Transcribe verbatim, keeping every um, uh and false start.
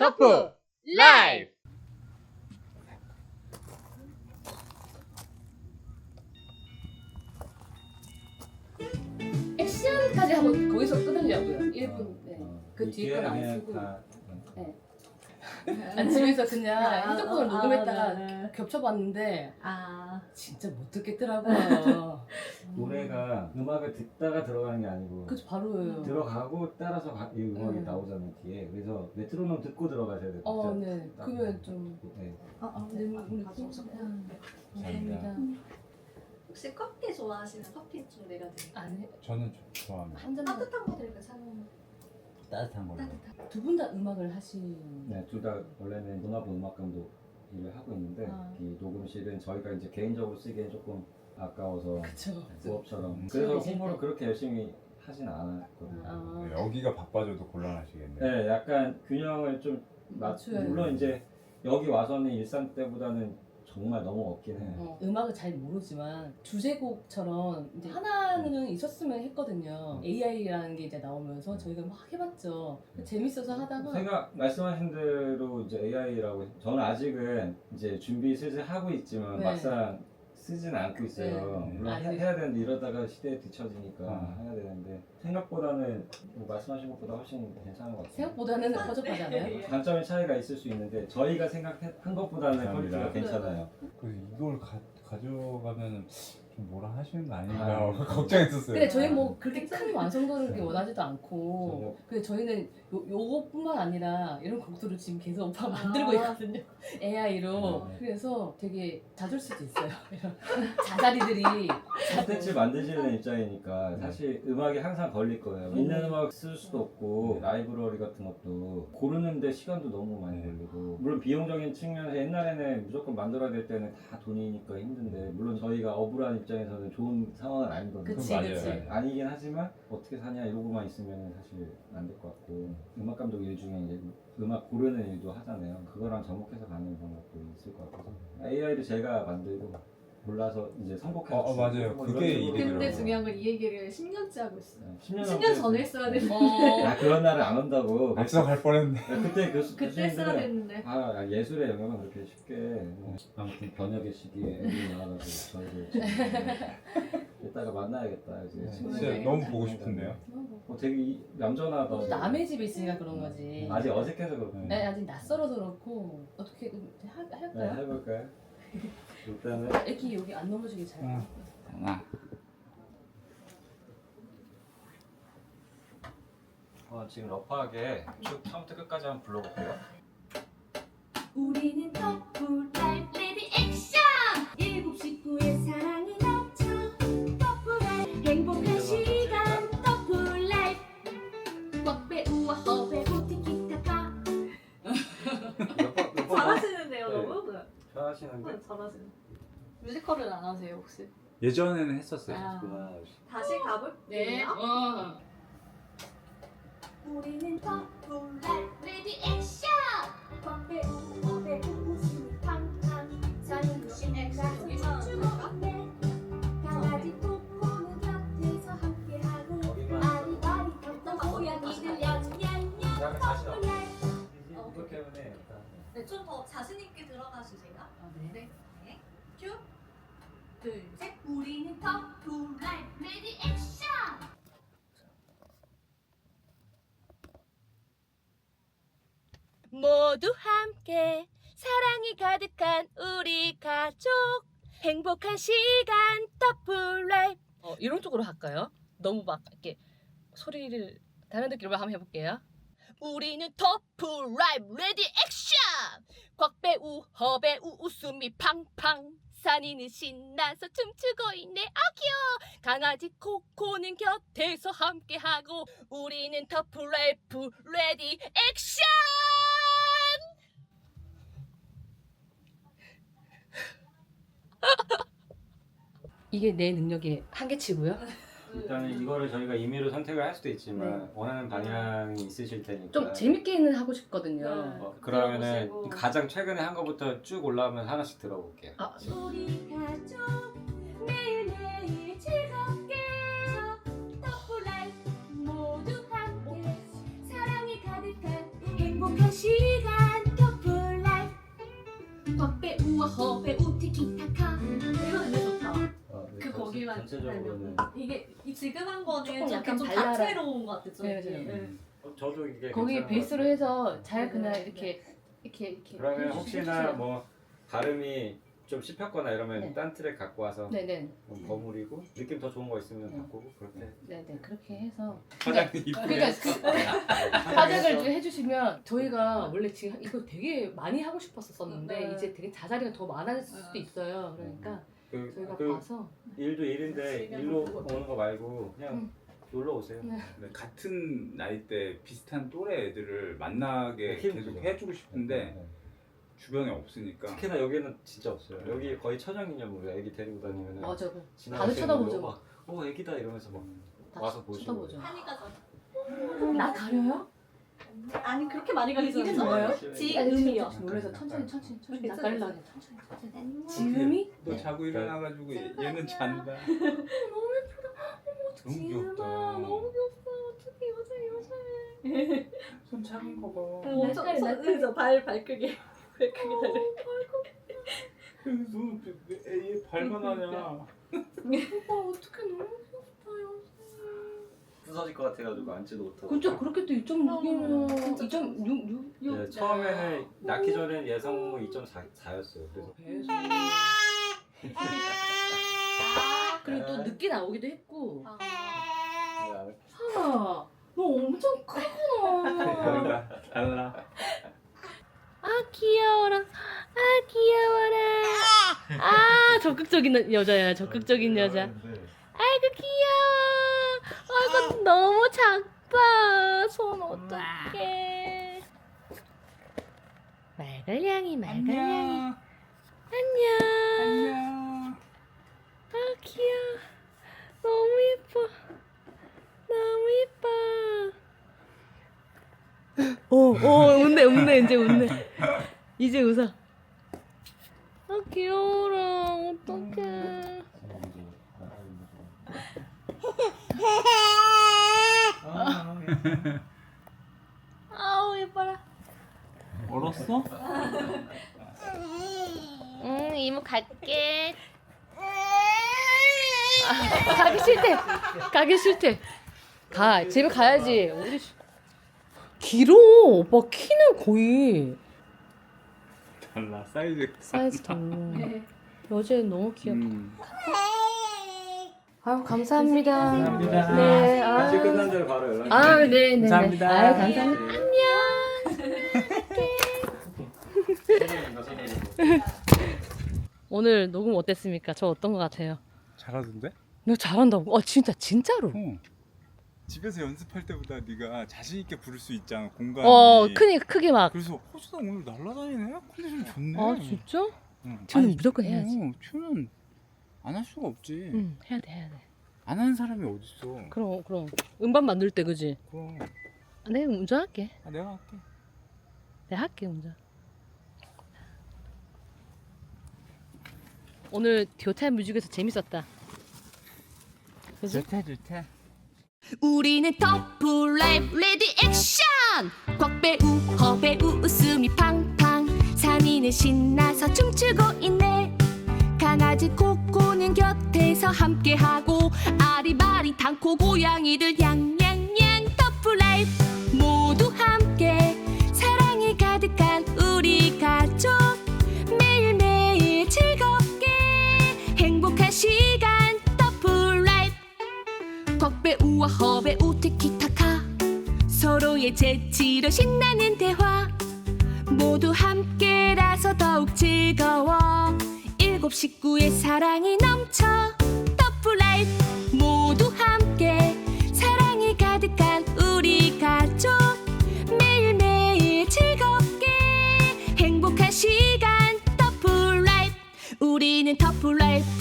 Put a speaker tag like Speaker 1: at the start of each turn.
Speaker 1: 터프 라이프.
Speaker 2: 액션까지 한번 거기서 끊으려고요. 일 분. 네. 그
Speaker 3: 이
Speaker 2: 뒤에 건 안
Speaker 3: 기회는
Speaker 2: 쓰고.
Speaker 3: 다-
Speaker 2: 네. 아니, 집에서 그냥
Speaker 4: 아,
Speaker 2: 핸드폰을
Speaker 4: 아,
Speaker 2: 녹음했다가
Speaker 4: 아, 네.
Speaker 2: 겹쳐봤는데
Speaker 4: 아,
Speaker 2: 진짜 못 듣겠더라고요.
Speaker 3: 노래가 음악을 듣다가 들어가는 게 아니고
Speaker 2: 그쵸, 바로예요.
Speaker 3: 들어가고 따라서 가- 이 음악이
Speaker 2: 음.
Speaker 3: 나오잖아요 뒤에. 그래서 메트로놈 듣고 들어가셔야 돼요.
Speaker 2: 어,
Speaker 3: 진짜.
Speaker 2: 네.
Speaker 3: 딱.
Speaker 2: 그러면 좀.
Speaker 3: 네.
Speaker 4: 아, 아,
Speaker 2: 네,
Speaker 4: 네,
Speaker 2: 우리
Speaker 4: 가져오셨고.
Speaker 2: 감사합니다.
Speaker 5: 혹시 커피 좋아하시면 커피 좀 내려드릴게요.
Speaker 2: 아니,
Speaker 1: 저는 좀 좋아합니다.
Speaker 2: 한 잔만.
Speaker 5: 따뜻한 거 드릴까요? 차가운
Speaker 3: 따뜻한
Speaker 5: 거?
Speaker 3: 걸로.
Speaker 5: 따뜻한
Speaker 2: 두 분 다 음악을 하신.
Speaker 3: 네, 둘 다 원래는 문화부 음악 감독 일을 하고 있는데
Speaker 2: 아.
Speaker 3: 이 녹음실은 저희가 이제 개인적으로 쓰기엔 조금 아까워서
Speaker 2: 그쵸.
Speaker 3: 부업처럼.
Speaker 1: 음.
Speaker 3: 그래서
Speaker 2: 계실
Speaker 3: 홍보를
Speaker 2: 때.
Speaker 3: 그렇게 열심히 하진 않았거든요.
Speaker 2: 아.
Speaker 1: 네, 여기가 바빠져도 곤란하시겠네요.
Speaker 3: 네, 약간 균형을 좀 맞.
Speaker 2: 맞춰야
Speaker 3: 물론
Speaker 2: 돼요.
Speaker 3: 이제 여기 와서는 일산 때보다는 정말 너무 없긴 해요.
Speaker 2: 어, 음악을 잘 모르지만 주제곡처럼 이제 하나는 있었으면 했거든요. 에이아이라는 게 이제 나오면서 저희가 막 해봤죠. 재밌어서 하다가
Speaker 3: 생각 말씀하신 대로 이제 에이아이라고 저는 아직은 이제 준비 슬슬 하고 있지만
Speaker 2: 네.
Speaker 3: 막상 쓰지는 않고 있어요.
Speaker 1: 네.
Speaker 3: 물론
Speaker 2: 아직.
Speaker 3: 해, 해야 되는데 이러다가 시대에 뒤처지니까
Speaker 1: 아.
Speaker 3: 해야 되는데 생각보다는 뭐 말씀하신 것보다 훨씬 괜찮은 것 같아요.
Speaker 2: 생각보다는 허접하지 않아요?
Speaker 3: 단점의 차이가 있을 수 있는데 저희가 생각한 것보다는
Speaker 1: 감사합니다.
Speaker 3: 퀄리티가 괜찮아요.
Speaker 1: 그래서 이걸 가, 가져가면 좀 뭐라 하시는 거 아닌가
Speaker 3: 아.
Speaker 1: 걱정했었어요.
Speaker 2: 근데 저희 뭐 그렇게 큰 완성도를 그렇게 원하지도 않고
Speaker 3: 전혀.
Speaker 2: 근데 저희는 요, 요것뿐만 아니라 이런 곡들을 지금 계속 오빠가 만들고
Speaker 5: 아.
Speaker 2: 있거든요. 에이아이로.
Speaker 3: 네.
Speaker 2: 그래서 되게 잦을 수도 있어요. 이런 자자리들이
Speaker 3: 콘텐츠 만드시는 입장이니까 사실 음악이 항상 걸릴 거예요.
Speaker 2: 음.
Speaker 3: 있는 음악 쓸 수도 없고 라이브러리 같은 것도 고르는데 시간도 너무 많이 걸리고 물론 비용적인 측면에서 옛날에는 무조건 만들어야 될 때는 다 돈이니까 힘든데 물론 저희가 어불한 입장에서는 좋은 상황은 아니거든요.
Speaker 2: 그치
Speaker 1: 맞아요.
Speaker 2: 그치.
Speaker 3: 네, 아니긴 하지만 어떻게 사냐 이러고만 있으면 사실 안 될 것 같고 음악 감독 일 중에 이제 음악 고르는 일도 하잖아요. 그거랑 접목해서 가는 방법도 있을 것 같아서 에이아이도 제가 만들고 몰라서 이제 선곡해서
Speaker 1: 어, 어,
Speaker 3: 주고
Speaker 1: 맞아요.
Speaker 3: 뭐
Speaker 1: 그게
Speaker 3: 이런 식으로.
Speaker 1: 일이더라고요.
Speaker 5: 근데 중요한 건 이 얘기를 십 년째 하고 있어요.
Speaker 3: 십 년,
Speaker 5: 십 년 전에 했어야 되는데
Speaker 2: 어,
Speaker 3: 야 그런 날은 안 온다고.
Speaker 1: 앞서 갈 뻔했네.
Speaker 3: 그때 교수
Speaker 5: 그때 했어야
Speaker 3: 교수님들은
Speaker 5: 됐는데
Speaker 3: 아 예술의 영역은 그렇게 쉽게 뭐, 아무튼 번역의 시기에 애들이 나와가지고 저희를 지금 이따가 만나야겠다 이제.
Speaker 1: 네,
Speaker 3: 친구들.
Speaker 1: 진짜 너무 보고 싶은데요.
Speaker 3: 어, 되게 이- 얌전하다.
Speaker 2: 또 남의 집에 있으니까 그런 거지.
Speaker 3: 아직 어색해서 그렇고.
Speaker 1: 네.
Speaker 2: 네, 아직 낯설어서 그렇고 어떻게 하,
Speaker 3: 네,
Speaker 2: 할까요?
Speaker 3: 해볼까요? 일단은
Speaker 2: 이렇게 여기 안 넘어지게 잘.
Speaker 1: 응.
Speaker 3: 하나. 어, 지금 러프하게 쭉 처음부터 끝까지 한번 불러볼게요.
Speaker 6: 우리는 커플 라이프 레디 액션 일곱 식구의 사랑이 넘쳐 커플 라이프 행복한 시간 커플 라이프 꽉배우와 허배우 티키타카
Speaker 3: 몇 번, 몇 번?
Speaker 5: 잘하시는데요
Speaker 3: 네.
Speaker 5: 너무? 네.
Speaker 3: 잘하시는데?
Speaker 5: 잘하시네. 뮤지컬을 안 하세요 혹시?
Speaker 1: 예전에는 했었어요.
Speaker 5: 아.
Speaker 3: 좋아.
Speaker 5: 다시 가볼게요.
Speaker 2: 네. 어.
Speaker 6: 우리는 커플 라이프 레디 액션 꽉배우 허배우 웃음이 팡팡 사는 신나서 춤추고 있네 강아지 코코는 곁에서 함께하고 아리바리 깜짝 고양이들 냠냠냠
Speaker 3: 그다음에 다시
Speaker 6: 커플 라이프
Speaker 3: 이거 때문에 일단
Speaker 5: 네, 좀 더 자신 있게 들어가 주세요.
Speaker 2: 아, 네.
Speaker 5: 네. 네. 큐. 둘, 셋.
Speaker 6: 우리는 커플 라이프 레디 액션
Speaker 4: 모두 함께 사랑이 가득한 우리 가족 행복한 시간 더블 라이프. 어, 이런 쪽으로 할까요? 너무 막 이렇게 소리를 다른 느낌으로 한번 해볼게요. 우리는 더블 라이프 레디 액션 곽배우 허배우 웃음이 팡팡 산이는 신나서 춤추고 있네 아 귀여워 강아지 코코는 곁에서 함께하고 우리는 더블 라이프 레디 액션.
Speaker 2: 이게 내 능력의 한계치고요.
Speaker 3: 일단은 이거를 저희가 임의로 선택을 할 수도 있지만
Speaker 2: 네.
Speaker 3: 원하는 방향이 있으실 테니까
Speaker 2: 좀 재밌게는 하고 싶거든요.
Speaker 5: 네.
Speaker 3: 어, 그러면은
Speaker 5: 들어보시고.
Speaker 3: 가장 최근에 한 거부터 쭉 올라오면 하나씩 들어볼게요.
Speaker 2: 아,
Speaker 6: 우리 가족 매일매일 즐겁게 더블 라이프 모두 함께 사랑이 가득한 행복한 시간
Speaker 3: 전체적으로는
Speaker 5: 이게 이 지금 한 거는
Speaker 2: 조금
Speaker 5: 좀
Speaker 2: 약간
Speaker 5: 좀
Speaker 2: 발랄한-
Speaker 5: 다채로운 것 같아요.
Speaker 2: 네,
Speaker 5: 좀.
Speaker 2: 맞아요.
Speaker 5: 네.
Speaker 3: 어, 저도 이게
Speaker 2: 거기
Speaker 3: 괜찮은
Speaker 2: 베이스로
Speaker 3: 것 같아요.
Speaker 2: 해서 잘
Speaker 5: 네,
Speaker 2: 그냥
Speaker 5: 네,
Speaker 2: 이렇게 이렇게 이렇게
Speaker 3: 그러면
Speaker 2: 해주-
Speaker 3: 혹시나
Speaker 2: 해주세요.
Speaker 3: 뭐 발음이 좀 씹혔거나 이러면
Speaker 2: 네.
Speaker 3: 딴 트랙 갖고 와서
Speaker 2: 네네
Speaker 3: 좀 버무리고 느낌 더 좋은 거 있으면
Speaker 2: 네.
Speaker 3: 바꾸고 그렇게
Speaker 2: 네네 그렇게 해서
Speaker 1: 화장이
Speaker 2: 그러니까
Speaker 1: 이쁘게
Speaker 2: 그 화장을 좀 해주시면 저희가 원래 지금 이거 되게 많이 하고 싶었었는데
Speaker 5: 네.
Speaker 2: 이제 되게 자자리가 더 많아질 수도 있어요. 그러니까
Speaker 3: 그,
Speaker 2: 저희가
Speaker 3: 그
Speaker 2: 봐서
Speaker 3: 일도 일인데 일로 오는 거 말고 그냥
Speaker 2: 음.
Speaker 3: 놀러 오세요.
Speaker 2: 네.
Speaker 1: 네, 같은 나이대 비슷한 또래 애들을 만나게
Speaker 3: 힘
Speaker 1: 계속
Speaker 3: 주죠.
Speaker 1: 해주고 싶은데
Speaker 3: 네.
Speaker 1: 주변에 없으니까
Speaker 3: 특히나 여기는 진짜 없어요. 여기 거의 천연기념물이야. 애기 데리고 다니면은
Speaker 2: 맞아
Speaker 3: 지나가시는
Speaker 2: 다들 쳐다보죠.
Speaker 3: 분도 막, 어 애기다 이러면서 막
Speaker 2: 다
Speaker 3: 와서 보시고.
Speaker 2: 쳐다보죠.
Speaker 5: 한이가 저.
Speaker 2: 나 가려요?
Speaker 5: 아니 그렇게 많이 가리지
Speaker 2: 이게
Speaker 5: 않아요.
Speaker 2: 뭐예요?
Speaker 5: 지음이요.
Speaker 2: 지금 놀라서 천천히 천천히 천천히 나
Speaker 5: 괜찮아요.
Speaker 2: 가려고 천천히 천천히.
Speaker 5: 안녕.
Speaker 2: 지음이?
Speaker 1: 너 자고 일어나가지고 얘는 잔다.
Speaker 2: 너무 예쁘다. 어머
Speaker 1: 너무
Speaker 2: 지음아
Speaker 1: 귀엽다.
Speaker 2: 너무 귀엽다. 어떻게 여자애 여자애.
Speaker 1: 손 작은 거 봐.
Speaker 5: 엄청
Speaker 2: 날카리,
Speaker 5: 서-
Speaker 2: 날카리.
Speaker 5: 그죠? 발 발크기 발크기 달려.
Speaker 1: 너애 발만하냐?
Speaker 2: 오빠 어떻게 너무 귀엽다 여자애.
Speaker 3: 부서질 것 같아가지고 앉지도 못하고.
Speaker 2: 그죠 그렇게 또 이 점 육이면
Speaker 5: 진짜
Speaker 2: 이 점 육 육
Speaker 3: 네, 처음에는 낳기 전엔 예성무 이 점 사였어요. 그래서
Speaker 2: 그리고 또 늦게 나오기도 했고
Speaker 5: 아,
Speaker 3: 네,
Speaker 2: 하나 너 엄청 크구나.
Speaker 1: 달라 달라.
Speaker 4: 아 귀여워라. 아 귀여워라. 아 적극적인 여자야. 적극적인 여자. 아이고 귀여워. 아이고 너무 작다. 손 어떡해. 말갈량이 말갈량이. 안녕.
Speaker 1: 안녕.
Speaker 4: 아 귀여워. 너무 예뻐. 너무 예뻐. 오, 오, 웃네, 웃네, 이제 웃네. 이제 웃어. 아 귀여워라. 어떡해. 아우 예뻐라.
Speaker 1: 얼었어?
Speaker 4: 응 이모 갈게. 아, 가기 싫대. 가기 싫대. 가 집에 가야지. 우리 시- 길어. 오빠 키는 거의
Speaker 1: 달라 사이즈.
Speaker 4: 사이즈 달라. 여자애 너무 귀엽다.
Speaker 1: 음.
Speaker 4: 아유 감사합니다.
Speaker 1: 감사합니다.
Speaker 4: 네. 아,
Speaker 3: 같이 끝난 대로 바로 연락.
Speaker 4: 아 네, 네.
Speaker 1: 감사합니다.
Speaker 4: 아유 감사합니다.
Speaker 3: 안녕.
Speaker 4: 오늘 녹음 어땠습니까? 저 어떤 것 같아요?
Speaker 1: 잘하던데?
Speaker 4: 너 잘한다고? 어 진짜 진짜로?
Speaker 1: 어. 집에서 연습할 때보다 네가 자신 있게 부를 수 있잖아 공간이.
Speaker 4: 어 크니 크게 막.
Speaker 1: 그래서 호수다 오늘 날라다니네. 컨디션 좋네.
Speaker 4: 아 진짜?
Speaker 1: 응.
Speaker 4: 튜는
Speaker 1: 아니,
Speaker 4: 무조건 해야지.
Speaker 1: 어, 튜는 안 할 수가 없지.
Speaker 4: 응 해야 돼 해야 돼.
Speaker 1: 안 하는 사람이 어딨어.
Speaker 4: 그럼 그럼 음반 만들 때 그지?
Speaker 1: 그럼.
Speaker 4: 아, 내가 운전할게.
Speaker 1: 아, 내가 할게.
Speaker 4: 내가 할게 운전. 오늘 디오타임 뮤직에서 재밌었다. 그지?
Speaker 1: 좋다 좋다.
Speaker 6: 우리는 터프 라이브 레디 액션 곽배우 허배우 웃음이 팡팡 산이는 신나서 춤추고 있네 강아지 코코는 곁에서 함께하고 아리바리 당코 고양이들 냥냥냥 터프 라이브 모두 함께 사랑이 가득한 우리 가족 매일매일 즐겁게 행복한 시간 터프 라이브 곽배우와 허배우 티키타카 서로의 재치로 신나는 대화 모두 함께라서 더욱 즐거워 일곱 식구의 사랑이 넘쳐 터프라이프 모두 함께 사랑이 가득한 우리 가족 매일매일 즐겁게 행복한 시간 터프라이프 우리는 터프라이프